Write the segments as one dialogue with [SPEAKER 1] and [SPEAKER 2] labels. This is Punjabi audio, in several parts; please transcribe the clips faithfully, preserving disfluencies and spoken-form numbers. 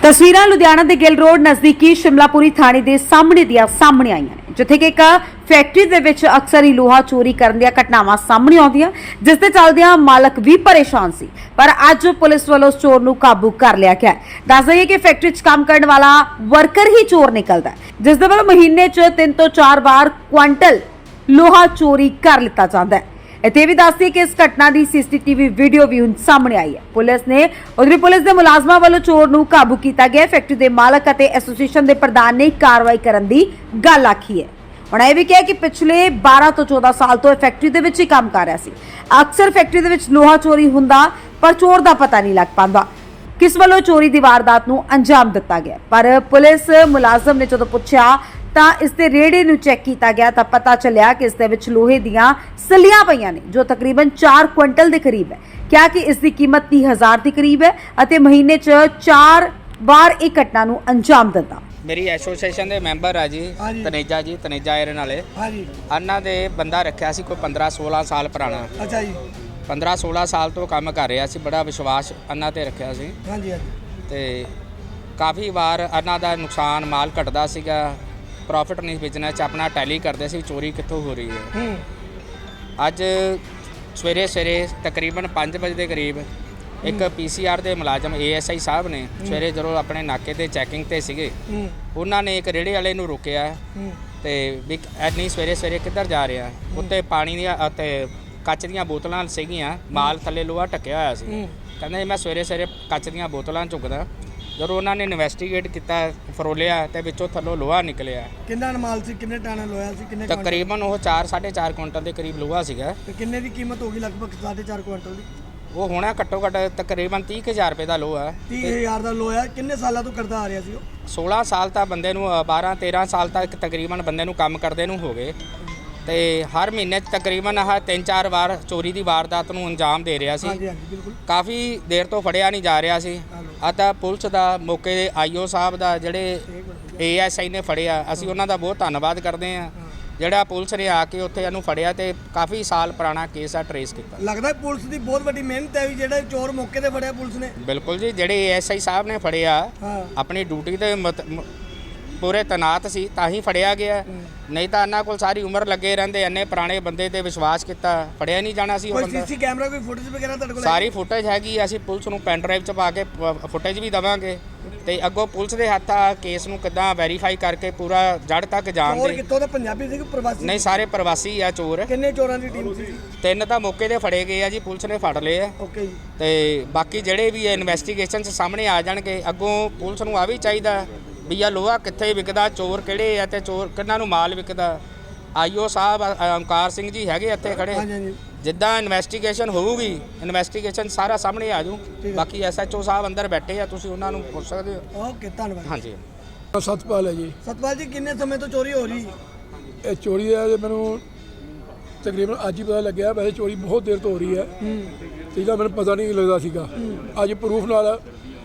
[SPEAKER 1] ਤਸਵੀਰਾਂ ਲੁਧਿਆਣਾ ਦੇ ਗਿੱਲ ਰੋਡ ਨਜ਼ਦੀਕੀ ਸ਼ਿਮਲਾਪੁਰੀ ਥਾਣੇ ਦੇ ਸਾਹਮਣੇ ਦੀਆਂ ਸਾਹਮਣੇ ਆਈਆਂ ਨੇ, ਜਿੱਥੇ ਕਿ ਇੱਕ ਫੈਕਟਰੀ ਦੇ ਵਿੱਚ ਅਕਸਰ ਹੀ ਲੋਹਾ ਚੋਰੀ ਕਰਨ ਦੀਆਂ ਘਟਨਾਵਾਂ ਸਾਹਮਣੇ ਆਉਂਦੀਆਂ, ਜਿਸ ਦੇ ਚੱਲਦਿਆਂ ਮਾਲਕ ਵੀ ਪਰੇਸ਼ਾਨ ਸੀ। ਪਰ ਅੱਜ ਪੁਲਿਸ ਵੱਲੋਂ ਉਸ ਚੋਰ ਨੂੰ ਕਾਬੂ ਕਰ ਲਿਆ ਗਿਆ। ਦੱਸ ਦਈਏ ਕਿ ਫੈਕਟਰੀ 'ਚ ਕੰਮ ਕਰਨ ਵਾਲਾ ਵਰਕਰ ਹੀ ਚੋਰ ਨਿਕਲਦਾ ਹੈ, ਜਿਸ ਦੇ ਵੱਲੋਂ ਮਹੀਨੇ 'ਚ ਤਿੰਨ ਤੋਂ ਚਾਰ ਵਾਰ ਕੁਆਂਟਲ ਲੋਹਾ ਚੋਰੀ ਕਰ ਲਿੱਤਾ ਜਾਂਦਾ ਹੈ। ਇੱਥੇ ਵੀ ਦੱਸਦੀ ਕਿ ਇਸ ਘਟਨਾ ਦੀ ਸੀਸੀਟੀਵੀ ਵੀਡੀਓ ਵੀ ਹੁਣ ਸਾਹਮਣੇ ਆਈ ਹੈ। ਪੁਲਿਸ ਨੇ ਉਧਰੀ ਪੁਲਿਸ ਦੇ ਮੁਲਾਜ਼ਮਾਂ ਵੱਲੋਂ ਚੋਰ ਨੂੰ ਕਾਬੂ ਕੀਤਾ ਗਿਆ। ਫੈਕਟਰੀ ਦੇ ਮਾਲਕ ਅਤੇ ਐਸੋਸੀਏਸ਼ਨ ਦੇ ਪ੍ਰਧਾਨ ਨੇ ਕਾਰਵਾਈ ਕਰਨ ਦੀ ਗੱਲ ਆਖੀ ਹੈ। ਉਹਨਾਂ ਇਹ ਵੀ ਕਿਹਾ ਕਿ ਪਿਛਲੇ ਬਾਰਾਂ ਤੋਂ ਚੌਦਾਂ ਸਾਲ ਤੋਂ ਇਹ ਫੈਕਟਰੀ ਦੇ ਵਿੱਚ ਹੀ ਕੰਮ ਕਰ ਰਿਹਾ ਸੀ। ਅਕਸਰ ਫੈਕਟਰੀ ਦੇ ਵਿੱਚ ਲੋਹਾ ਚੋਰੀ ਹੁੰਦਾ, ਪਰ ਚੋਰ ਦਾ ਪਤਾ ਨਹੀਂ ਲੱਗ ਪਾਉਂਦਾ ਕਿਸ ਵੱਲੋਂ ਚੋਰੀ ਦੀ ਵਾਰਦਾਤ ਨੂੰ ਅੰਜਾਮ ਦਿੱਤਾ ਗਿਆ। ਪਰ ਪੁਲਿਸ ਮੁਲਾਜ਼ਮ ਨੇ ਜਦੋਂ ਪੁੱਛਿਆ ਤਾਂ ਇਸ ਦੇ ਰੇੜੇ ਨੂੰ ਚੈੱਕ ਕੀਤਾ ਗਿਆ ਤਾਂ ਪਤਾ ਚੱਲਿਆ ਕਿ ਇਸ ਦੇ ਵਿੱਚ ਲੋਹੇ ਦੀਆਂ ਸਲੀਆਂ ਪਈਆਂ ਨੇ, ਜੋ ਤਕਰੀਬਨ ਚਾਰ ਕੁਇੰਟਲ ਦੇ ਕਰੀਬ ਹੈ। ਕਿਹਾ ਕਿ ਇਸ ਦੀ ਕੀਮਤ ਤੀਹ ਹਜ਼ਾਰ ਦੇ ਕਰੀਬ ਹੈ ਅਤੇ ਮਹੀਨੇ 'ਚ ਚਾਰ ਵਾਰ ਇਹ ਘਟਨਾ ਨੂੰ ਅੰਜਾਮ ਦਿੰਦਾ।
[SPEAKER 2] ਮੇਰੀ ਐਸੋਸੀਏਸ਼ਨ ਦੇ ਮੈਂਬਰ ਆ ਜੀ ਤਨੇਜਾ ਜੀ ਤਨੇਜਾ ਆਇਰਨ ਵਾਲੇ।
[SPEAKER 3] ਹਾਂਜੀ।
[SPEAKER 2] ਉਹਨਾਂ ਦੇ ਬੰਦਾ ਰੱਖਿਆ ਸੀ ਕੋਈ ਪੰਦਰਾਂ ਸੋਲਾਂ ਸਾਲ ਪੁਰਾਣਾ।
[SPEAKER 3] ਅੱਛਾ ਜੀ।
[SPEAKER 2] ਪੰਦਰਾਂ ਸੋਲਾਂ ਸਾਲ ਤੋਂ ਕੰਮ ਕਰ ਰਿਹਾ ਸੀ, ਬੜਾ ਵਿਸ਼ਵਾਸ ਉਹਨਾਂ ਤੇ ਰੱਖਿਆ ਸੀ।
[SPEAKER 3] ਹਾਂਜੀ ਹਾਂਜੀ।
[SPEAKER 2] ਤੇ ਕਾਫੀ ਵਾਰ ਉਹਨਾਂ ਦਾ ਨੁਕਸਾਨ ਮਾਲ ਘਟਦਾ ਸੀਗਾ, ਪ੍ਰੋਫਿਟ ਨਹੀਂ ਬਿਜ਼ਨਸ 'ਚ ਆਪਣਾ ਟੈਲੀ ਕਰਦੇ ਸੀ, ਚੋਰੀ ਕਿੱਥੋਂ ਹੋ ਰਹੀ ਹੈ।
[SPEAKER 3] ਹੂੰ।
[SPEAKER 2] ਅੱਜ ਸਵੇਰੇ ਸਵੇਰੇ ਤਕਰੀਬਨ ਪੰਜ ਵਜੇ ਦੇ ਕਰੀਬ ਇੱਕ ਪੀਸੀਆਰ ਦੇ ਮੁਲਾਜ਼ਮ ਏਐਸਆਈ ਸਾਹਿਬ ਨੇ ਸਵੇਰੇ ਜਦੋਂ ਆਪਣੇ ਨਾਕੇ ਤੇ ਚੈਕਿੰਗ ਤੇ ਸੀਗੇ, ਉਹਨਾਂ ਨੇ ਇੱਕ ਰੇੜੇ ਵਾਲੇ ਨੂੰ ਰੋਕਿਆ ਤੇ ਵੀ ਐਨੀ ਸਵੇਰੇ ਸਵੇਰੇ ਕਿੱਧਰ ਜਾ ਰਿਹਾ। ਉੱਤੇ ਪਾਣੀ ਦੀਆਂ ਅਤੇ ਕੱਚ ਦੀਆਂ ਬੋਤਲਾਂ ਸੀਗੀਆਂ, ਮਾਲ ਥੱਲੇ ਲੋਹਾ ਢੱਕਿਆ ਹੋਇਆ ਸੀ। ਕਹਿੰਦੇ ਮੈਂ ਸਵੇਰੇ ਸਵੇਰੇ ਕੱਚ ਦੀਆਂ ਬੋਤਲਾਂ ਚੁੱਕਦਾ। ਜਦੋਂ ਉਹਨਾਂ ਨੇ ਇਨਵੈਸਟੀਗੇਟ ਕੀਤਾ, ਫਰੋਲਿਆ ਤੇ ਵਿੱਚੋਂ ਥੱਲੋਂ ਲੋਹਾ ਨਿਕਲਿਆ।
[SPEAKER 3] ਕਿੰਨਾ ਮਾਲ ਸੀ, ਕਿੰਨੇ ਟਨ ਲੋਹਾ ਸੀ, ਕਿੰਨੇ
[SPEAKER 2] ਤਕਰੀਬਨ ਉਹ ਚਾਰ ਸਾਢੇ ਚਾਰ ਕੁਇੰਟਲ ਦੇ ਕਰੀਬ ਲੋਹਾ ਸੀਗਾ।
[SPEAKER 3] ਤੇ ਕਿੰਨੇ ਦੀ ਕੀਮਤ ਹੋਗੀ? ਲਗਭਗ ਸਾਢੇ ਚਾਰ ਕੁਇੰਟਲ ਦੀ।
[SPEAKER 2] ਉਹ ਹੋਣਾ ਘੱਟੋ ਘੱਟ ਤਕਰੀਬਨ ਤੀਹ ਕੁ ਹਜ਼ਾਰ ਰੁਪਏ ਦਾ ਲੋਹਾ।
[SPEAKER 3] ਤੀਹ ਹਜ਼ਾਰ ਦਾ ਲੋਹਾ ਕਿੰਨੇ ਸਾਲਾਂ ਤੋਂ ਕਰਦਾ ਆ ਰਿਹਾ ਸੀ ਉਹ?
[SPEAKER 2] ਸੋਲਾਂ ਸਾਲ ਤਾਂ ਬੰਦੇ ਨੂੰ, ਬਾਰਾਂ ਤੇਰਾਂ ਸਾਲ ਤੱਕ ਤਕਰੀਬਨ ਬੰਦੇ ਨੂੰ ਕੰਮ ਕਰਦੇ ਨੂੰ ਹੋ ਗਏ। ਤੇ ਹਰ ਮਹੀਨੇ 'ਚ ਤਕਰੀਬਨ ਆਹ ਤਿੰਨ ਚਾਰ ਵਾਰ ਚੋਰੀ ਦੀ ਵਾਰਦਾਤ ਨੂੰ ਅੰਜਾਮ ਦੇ ਰਿਹਾ ਸੀ।
[SPEAKER 3] ਹਾਂਜੀ ਹਾਂਜੀ ਬਿਲਕੁਲ।
[SPEAKER 2] ਕਾਫੀ ਦੇਰ ਤੋਂ ਫੜਿਆ ਨਹੀਂ ਜਾ ਰਿਹਾ ਸੀ। ਆ ਤਾਂ ਪੁਲਿਸ ਦਾ ਮੌਕੇ ਦੇ ਆਈਓ ਸਾਹਿਬ ਦਾ ਜਿਹੜੇ ਏਐਸਆਈ ਨੇ ਫੜਿਆ, ਅਸੀਂ ਉਹਨਾਂ ਦਾ ਬਹੁਤ ਧੰਨਵਾਦ ਕਰਦੇ ਹਾਂ। ਜਿਹੜਾ ਪੁਲਿਸ ਨੇ ਆ ਕੇ ਉੱਥੇ ਇਹਨੂੰ ਫੜਿਆ ਤੇ ਕਾਫੀ ਸਾਲ ਪੁਰਾਣਾ ਕੇਸ ਆ ਟਰੇਸ ਕੀਤਾ।
[SPEAKER 3] ਲੱਗਦਾ ਪੁਲਿਸ ਦੀ ਬਹੁਤ ਵੱਡੀ ਮਿਹਨਤ ਹੈ ਵੀ ਜਿਹੜਾ ਚੋਰ ਮੌਕੇ ਤੇ ਫੜਿਆ ਪੁਲਿਸ ਨੇ।
[SPEAKER 2] ਬਿਲਕੁਲ ਜੀ, ਜਿਹੜੇ ਏਐਸਆਈ ਸਾਹਿਬ ਨੇ ਫੜਿਆ ਆਪਣੀ ਡਿਊਟੀ ਤੇ ਪੂਰੇ ਤੈਨਾਤ ਸੀ ਤਾਂ ਹੀ ਫੜਿਆ ਗਿਆ, ਨਹੀਂ ਤਾਂ ਇਹਨਾਂ ਕੋਲ ਸਾਰੀ ਉਮਰ ਲੱਗੇ ਰਹਿੰਦੇ। ਇੰਨੇ ਪੁਰਾਣੇ ਬੰਦੇ ਤੇ ਵਿਸ਼ਵਾਸ ਕੀਤਾ, ਫੜਿਆ ਨਹੀਂ ਜਾਣਾ ਸੀ ਉਹ ਬੰਦਾ।
[SPEAKER 3] ਕੋਈ ਸੀਸੀ ਕੈਮਰਾ, ਕੋਈ ਫੁਟੇਜ ਵਗੈਰਾ ਤੁਹਾਡੇ ਕੋਲ?
[SPEAKER 2] ਸਾਰੀ ਫੁਟੇਜ ਹੈਗੀ, ਅਸੀਂ ਪੁਲਿਸ ਨੂੰ ਪੈਨ ਡਰਾਈਵ 'ਚ ਪਾ ਕੇ ਫੁਟੇਜ ਵੀ ਦੇਵਾਂਗੇ ਤੇ ਅੱਗੋਂ ਪੁਲਿਸ ਦੇ ਹੱਥ ਆ ਕੇਸ ਨੂੰ ਕਿੱਦਾਂ ਵੈਰੀਫਾਈ ਕਰਕੇ ਪੂਰਾ ਜੜ ਤੱਕ ਜਾਣ
[SPEAKER 3] ਚੋਰ
[SPEAKER 2] ਦੇ।
[SPEAKER 3] ਕਿੱਥੋਂ ਦਾ? ਪੰਜਾਬੀ ਸੀ ਕਿ ਪ੍ਰਵਾਸੀ?
[SPEAKER 2] ਨਹੀਂ, ਸਾਰੇ ਪ੍ਰਵਾਸੀ ਆ ਚੋਰ।
[SPEAKER 3] ਕਿੰਨੇ ਚੋਰਾਂ ਦੀ ਟੀਮ ਸੀ?
[SPEAKER 2] ਤਿੰਨ ਤਾਂ ਮੌਕੇ ਤੇ ਫੜੇ ਗਏ ਆ ਜੀ, ਪੁਲਿਸ ਨੇ ਫੜ ਲਏ ਆ।
[SPEAKER 3] ਓਕੇ ਜੀ।
[SPEAKER 2] ਤੇ ਬਾਕੀ ਜਿਹੜੇ ਵੀ ਇਨਵੈਸਟੀਗੇਸ਼ਨ 'ਚ ਸਾਹਮਣੇ ਆ ਜਾਣਗੇ। ਅੱਗੋਂ ਪੁਲਿਸ ਨੂੰ ਆ ਵੀ ਚਾਹੀਦਾ ਵੀ ਆ ਲੋਹਾ ਕਿੱਥੇ ਵਿਕਦਾ, ਚੋਰ ਕਿਹੜੇ ਆ ਤੇ ਚੋਰ ਕਿੰਨਾਂ ਨੂੰ ਮਾਲ ਵਿਕਦਾ। ਆਈਓ ਸਾਹਿਬ ਓਮਕਾਰ ਸਿੰਘ ਜੀ ਹੈਗੇ ਇੱਥੇ ਖੜੇ। ਜਿੱਦਾਂ ਇਨਵੈਸਟੀਗੇਸ਼ਨ ਹੋਊਗੀ, ਇਨਵੈਸਟੀਗੇਸ਼ਨ ਸਾਰਾ ਸਾਹਮਣੇ ਆ ਜੂ। ਬਾਕੀ ਐਸਐਚਓ ਸਾਹਿਬ ਅੰਦਰ ਬੈਠੇ ਆ, ਤੁਸੀਂ ਉਹਨਾਂ ਨੂੰ ਪੁੱਛ ਸਕਦੇ ਹੋ।
[SPEAKER 3] ਓਕੇ, ਧੰਨਵਾਦ।
[SPEAKER 2] ਹਾਂਜੀ।
[SPEAKER 4] ਸਤਪਾਲ ਹੈ ਜੀ।
[SPEAKER 3] ਸਤਪਾਲ ਜੀ, ਕਿੰਨੇ ਸਮੇਂ ਤੋਂ ਚੋਰੀ ਹੋ ਰਹੀ?
[SPEAKER 4] ਇਹ ਚੋਰੀ ਦਾ ਮੈਨੂੰ ਤਕਰੀਬਨ ਅੱਜ ਹੀ ਪਤਾ ਲੱਗਿਆ। ਵੈਸੇ ਚੋਰੀ ਬਹੁਤ ਦੇਰ ਤੋਂ ਹੋ ਰਹੀ ਹੈ, ਇਹਦਾ ਮੈਨੂੰ ਪਤਾ ਨਹੀਂ ਲੱਗਦਾ ਸੀਗਾ। ਅੱਜ ਪ੍ਰੂਫ ਨਾਲ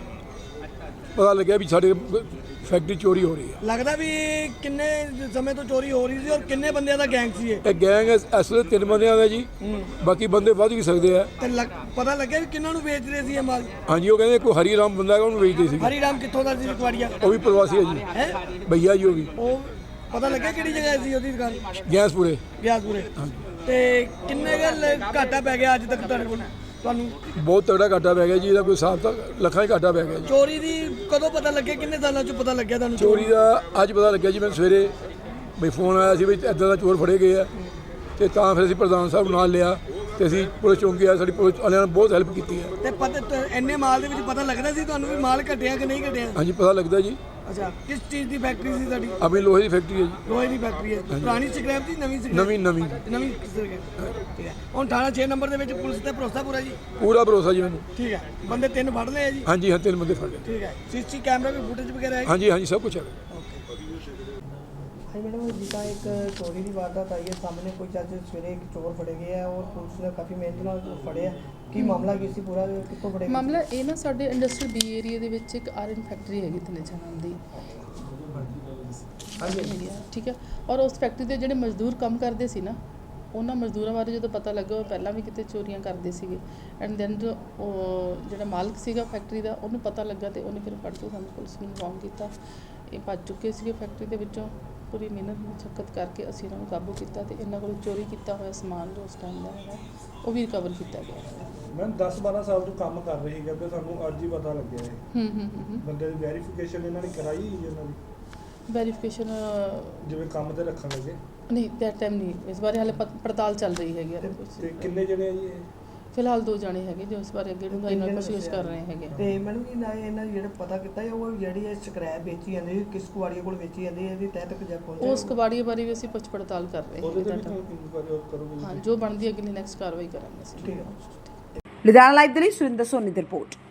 [SPEAKER 4] ਪਤਾ ਲੱਗਿਆ ਵੀ ਸਾਡੇ ਫੈਕਟਰੀ ਚੋਰੀ ਹੋ ਰਹੀ ਹੈ।
[SPEAKER 3] ਲੱਗਦਾ ਵੀ ਕਿੰਨੇ ਸਮੇਂ ਤੋਂ ਚੋਰੀ ਹੋ ਰਹੀ ਸੀ ਔਰ ਕਿੰਨੇ ਬੰਦਿਆਂ ਦਾ ਗੈਂਗ ਸੀ ਇਹ?
[SPEAKER 4] ਇਹ ਗੈਂਗ ਇਸ ਵੇਲੇ ਤਿੰਨ ਬੰਦਿਆਂ ਦਾ ਜੀ, ਬਾਕੀ ਬੰਦੇ ਵੱਧ ਵੀ ਸਕਦੇ ਆ।
[SPEAKER 3] ਤੇ ਪਤਾ ਲੱਗਿਆ ਵੀ ਕਿੰਨਾਂ ਨੂੰ ਵੇਚ ਰਹੇ ਸੀ ਇਹ ਮਾਲ?
[SPEAKER 4] ਹਾਂਜੀ, ਉਹ ਕਹਿੰਦੇ ਕੋਈ ਹਰੀ ਰਾਮ ਬੰਦਾ ਹੈਗਾ, ਉਹਨੂੰ ਵੇਚਦੇ ਸੀ।
[SPEAKER 3] ਹਰੀ ਰਾਮ ਕਿੱਥੋਂ ਦਾ ਸੀ? ਕੁਆੜੀਆ?
[SPEAKER 4] ਉਹ ਵੀ ਪ੍ਰਵਾਸੀ ਹੈ ਜੀ।
[SPEAKER 3] ਹੈ
[SPEAKER 4] ਭਈਆ ਜੀ ਉਹ ਵੀ।
[SPEAKER 3] ਉਹ ਪਤਾ ਲੱਗਿਆ ਕਿਹੜੀ ਜਗ੍ਹਾ ਸੀ ਉਹਦੀ ਦੁਕਾਨ?
[SPEAKER 4] ਗੈਸਪੁਰੇ।
[SPEAKER 3] ਗਿਆਸਪੁਰੇ। ਤੇ ਕਿੰਨੇ ਗੱਲ ਘਾਟਾ ਪੈ ਗਿਆ ਅੱਜ ਤੱਕ ਤੁਹਾਡੇ ਕੋਲ ਤੁਹਾਨੂੰ?
[SPEAKER 4] ਬਹੁਤ ਤਗੜਾ ਘਾਟਾ ਪੈ ਗਿਆ ਜੀ, ਇਹਦਾ ਕੋਈ ਹਿਸਾਬ ਤਾਂ ਲੱਖਾਂ ਹੀ ਘਾਟਾ ਪੈ ਗਿਆ ਜੀ।
[SPEAKER 3] ਚੋਰੀ ਦੀ ਕਦੋਂ ਪਤਾ ਲੱਗਿਆ? ਕਿੰਨੇ ਸਾਲਾਂ 'ਚ ਪਤਾ ਲੱਗਿਆ ਤੁਹਾਨੂੰ
[SPEAKER 4] ਚੋਰੀ ਦਾ? ਅੱਜ ਪਤਾ ਲੱਗਿਆ ਜੀ ਮੈਨੂੰ ਸਵੇਰੇ, ਵੀ ਫੋਨ ਆਇਆ ਸੀ ਵੀ ਇੱਦਾਂ ਦਾ ਚੋਰ ਫੜੇ ਗਏ ਆ। ਤੇ ਤਾਂ ਫਿਰ ਅਸੀਂ ਪ੍ਰਧਾਨ ਸਾਹਿਬ ਨੂੰ ਨਾਲ ਲਿਆ ਤੇ ਅਸੀਂ ਪੁਲਿਸ ਚੌਂਕੀ ਆ, ਸਾਡੀ ਪੁਲਿਸ ਵਾਲਿਆਂ ਨੇ ਬਹੁਤ ਹੈਲਪ ਕੀਤੀ ਹੈ।
[SPEAKER 3] ਤੇ ਪਤਾ ਇੰਨੇ ਮਾਲ ਦੇ ਵਿੱਚ ਪਤਾ ਲੱਗਦਾ ਸੀ ਤੁਹਾਨੂੰ ਵੀ ਮਾਲ ਘਟਿਆ ਕਿ ਨਹੀਂ ਘਟਿਆ?
[SPEAKER 4] ਹਾਂਜੀ, ਪਤਾ ਲੱਗਦਾ ਜੀ।
[SPEAKER 3] ਅੱਛਾ, ਕਿਸ ਚੀਜ਼ ਦੀ ਫੈਕਟਰੀ ਸੀ ਤੁਹਾਡੀ?
[SPEAKER 4] ਆਪਣੀ ਲੋਹੇ ਦੀ ਫੈਕਟਰੀ ਹੈ ਜੀ।
[SPEAKER 3] ਲੋਹੇ ਦੀ ਫੈਕਟਰੀ ਹੈ। ਪੁਰਾਣੀ ਸਕ੍ਰੈਪ ਦੀ? ਨਵੀਂ ਸਕ੍ਰੈਪ?
[SPEAKER 4] ਨਵੀਂ ਨਵੀਂ
[SPEAKER 3] ਨਵੀਂ ਸਕ੍ਰੈਪ। ਠੀਕ ਹੈ। ਹੁਣ ਥਾਣਾ ਛੇ ਨੰਬਰ ਦੇ ਵਿੱਚ ਪੁਲਿਸ ਤੇ ਭਰੋਸਾ ਪੂਰਾ ਜੀ?
[SPEAKER 4] ਪੂਰਾ ਭਰੋਸਾ ਜੀ ਮੈਨੂੰ।
[SPEAKER 3] ਠੀਕ ਹੈ। ਬੰਦੇ ਤਿੰਨ ਫੜ ਲਏ ਆ ਜੀ?
[SPEAKER 4] ਹਾਂਜੀ ਹਾਂ, ਤਿੰਨ ਬੰਦੇ ਫੜ ਲਏ।
[SPEAKER 3] ਠੀਕ ਹੈ। ਸੀਸੀ ਕੈਮਰਾ ਵੀ ਫੁਟੇਜ ਵਗੈਰਾ ਹੈ?
[SPEAKER 4] ਹਾਂਜੀ ਹਾਂਜੀ, ਸਭ ਕੁਝ ਹੈ।
[SPEAKER 3] ਹਾਂਜੀ ਮੈਡਮ, ਜਿੱਦਾਂ ਇੱਕ ਚੋਰੀ ਦੀ ਵਾਰਦਾਤ ਆਈ ਹੈ ਸਾਹਮਣੇ, ਕੋਈ ਅੱਜ ਸਵੇਰੇ ਇੱਕ ਚੋਰ ਫੜੇ ਗਏ ਆ ਔਰ ਪੁਲਿਸ ਨੇ ਕਾਫੀ ਮਿਹਨਤ ਨਾਲ ਫੜਿਆ। ਕੀ ਮਾਮਲਾ ਕੀ ਸੀ ਪੂਰਾ, ਕਿੱਥੋਂ ਫੜੇ?
[SPEAKER 5] ਮਾਮਲਾ ਇਹ ਨਾ ਸਾਡੇ ਇੰਡਸਟਰੀਅਲ ਬੀ ਏਰੀਆ ਦੇ ਵਿੱਚ ਇੱਕ ਆਇਰਨ ਫੈਕਟਰੀ ਹੈਗੀ ਤਨੇਜਾ ਨਾਮ ਦੀ। ਹਾਂਜੀ, ਠੀਕ ਹੈ। ਔਰ ਉਸ ਫੈਕਟਰੀ ਦੇ ਜਿਹੜੇ ਮਜ਼ਦੂਰ ਕੰਮ ਕਰਦੇ ਸੀ ਨਾ, ਉਹਨਾਂ ਮਜ਼ਦੂਰਾਂ ਬਾਰੇ ਜਦੋਂ ਪਤਾ ਲੱਗਾ ਉਹ ਪਹਿਲਾਂ ਵੀ ਕਿਤੇ ਚੋਰੀਆਂ ਕਰਦੇ ਸੀਗੇ ਐਂਡ ਦੈਨ ਉਹ ਜਿਹੜਾ ਮਾਲਕ ਸੀਗਾ ਫੈਕਟਰੀ ਦਾ ਉਹਨੂੰ ਪਤਾ ਲੱਗਾ ਤੇ ਉਹਨੇ ਫਿਰ ਫੜ ਕੇ ਸਾਨੂੰ ਪੁਲਿਸ ਨੂੰ ਇਨਫੋਰਮ ਕੀਤਾ। ਇਹ ਭੱਜ ਚੁੱਕੇ ਸੀਗੇ ਫੈਕਟਰੀ ਦੇ ਵਿੱਚੋਂ। ਪੂਰੀ ਮਿਹਨਤ ਮੁਸ਼ੱਕਤ ਕਰਕੇ ਅਸੀਂ ਇਹਨਾਂ ਨੂੰ ਕਾਬੂ ਕੀਤਾ ਤੇ ਇਹਨਾਂ ਕੋਲ ਚੋਰੀ ਕੀਤਾ ਹੋਇਆ ਸਮਾਨ ਜੋ ਉਸ ਟਾਈਮ ਦਾ ਹੈਗਾ ਉਹ ਵੀ ਰਿਕਵਰ ਕੀਤਾ ਗਿਆ।
[SPEAKER 6] ਮੈਂ ਦਸ ਬਾਰਾਂ ਸਾਲ ਤੋਂ ਕੰਮ ਕਰ ਰਹੀ ਹੈਗਾ ਤੇ ਸਾਨੂੰ ਅੱਜ ਹੀ ਪਤਾ ਲੱਗਿਆ ਹੈ।
[SPEAKER 5] ਹੂੰ ਹੂੰ ਹੂੰ
[SPEAKER 6] ਬੰਦੇ ਦੀ ਵੈਰੀਫਿਕੇਸ਼ਨ ਇਹਨਾਂ ਨੇ ਕਰਾਈ ਹੀ ਇਹਨਾਂ ਦੀ
[SPEAKER 5] ਵੈਰੀਫਿਕੇਸ਼ਨ
[SPEAKER 6] ਜਿਵੇਂ ਕੰਮ ਤੇ ਰੱਖਣ ਲੱਗੇ
[SPEAKER 5] ਨਹੀਂ ਦੈਟ ਟਾਈਮ ਨਹੀਂ, ਇਸ ਬਾਰੇ ਹਾਲੇ ਪਤ- ਪੜਤਾਲ ਚੱਲ ਰਹੀ ਹੈਗੀ ਆ।
[SPEAKER 6] ਤੇ ਕਿੰਨੇ ਜਣੇ ਆ ਜੀ ਇਹ?
[SPEAKER 5] ਫਿਲਹਾਲ ਦੋ ਜਾਣੇ ਹੈਗੇ ਜੋ ਇਸ ਬਾਰੇ ਅੱਗੇ ਡੂੰਘਾਈ ਨਾਲ ਕੋਸ਼ਿਸ਼ ਕਰ ਰਹੇ ਹੈਗੇ।
[SPEAKER 3] ਤੇ ਮੈਨੂੰ ਕੀ ਨਾ ਇਹਨਾਂ ਦੀ ਜਿਹੜਾ ਪਤਾ ਕੀਤਾ ਹੈ ਉਹ ਜਿਹੜੀ ਇਹ ਸਕ੍ਰੈਪ ਵੇਚੀ ਜਾਂਦੀ ਹੈ ਕਿਸ ਕੁਆੜੀਆਂ ਕੋਲ ਵੇਚੀ ਜਾਂਦੀ ਹੈ ਇਹਦੀ ਤਹਿ ਤੱਕ ਜਾ ਪਹੁੰਚਿਆ
[SPEAKER 5] ਉਸ ਕਬਾੜੀਏ ਬਾਰੇ ਵੀ ਅਸੀਂ ਪੁੱਛ ਪੜਤਾਲ ਕਰ ਰਹੇ
[SPEAKER 6] ਉਹਦੇ ਤੇ
[SPEAKER 5] ਹਾਂ।
[SPEAKER 6] ਵੀ ਤੁਸੀਂ ਇਨਕੁਆਇਰੀ ਕਰੋਗੇ?
[SPEAKER 5] ਹਾਂ ਜੋ ਬਣਦੀ ਅਗਲੀ ਨੈਕਸਟ ਕਾਰਵਾਈ ਕਰਾਂਗੇ ਅਸੀਂ।
[SPEAKER 3] ਠੀਕ ਹੈ।
[SPEAKER 1] ਲੁਧਿਆਣਾ ਲਾਈਵ ਦੇ ਲਈ ਸੁਰਿੰਦਰ ਸੋਨੀ ਦੀ ਰਿਪੋਰਟ।